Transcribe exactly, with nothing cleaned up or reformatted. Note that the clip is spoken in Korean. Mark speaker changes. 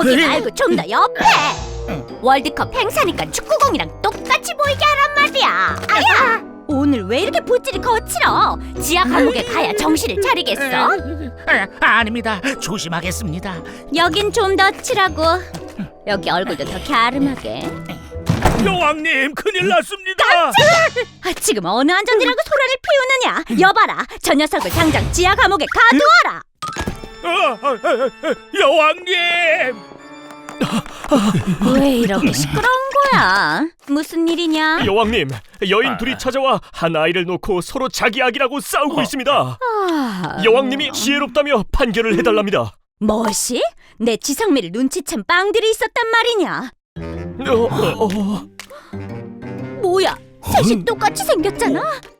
Speaker 1: 거기 말고 좀 더 옆에. 월드컵 행사니까 축구공이랑 똑같이 보이게 하란 말이야. 아야! 오늘 왜 이렇게 붓질이 거칠어? 지하 감옥에 가야 정신을 차리겠어?
Speaker 2: 아, 아닙니다. 조심하겠습니다.
Speaker 1: 여긴 좀 더 칠하고 여기 얼굴도 더 갸름하게.
Speaker 3: 여왕님, 큰일 났습니다.
Speaker 1: 아, 지금 어느 안전이라고 소란을 피우느냐? 여봐라, 저 녀석을 당장 지하 감옥에 가두어라.
Speaker 3: 아, 아, 아, 아, 여왕님!
Speaker 1: 왜 이렇게 시끄러운 거야? 무슨 일이냐?
Speaker 3: 여왕님, 여인 둘이 찾아와 한 아이를 놓고 서로 자기 아기라고 싸우고 있습니다.
Speaker 1: 아...
Speaker 3: 여왕님이 지혜롭다며 판결을 해달랍니다.
Speaker 1: 뭐시? 내 지성미를 눈치챈 빵들이 있었단 말이냐?
Speaker 3: 어, 어, 어.
Speaker 1: 뭐야, 셋이 똑같이 생겼잖아?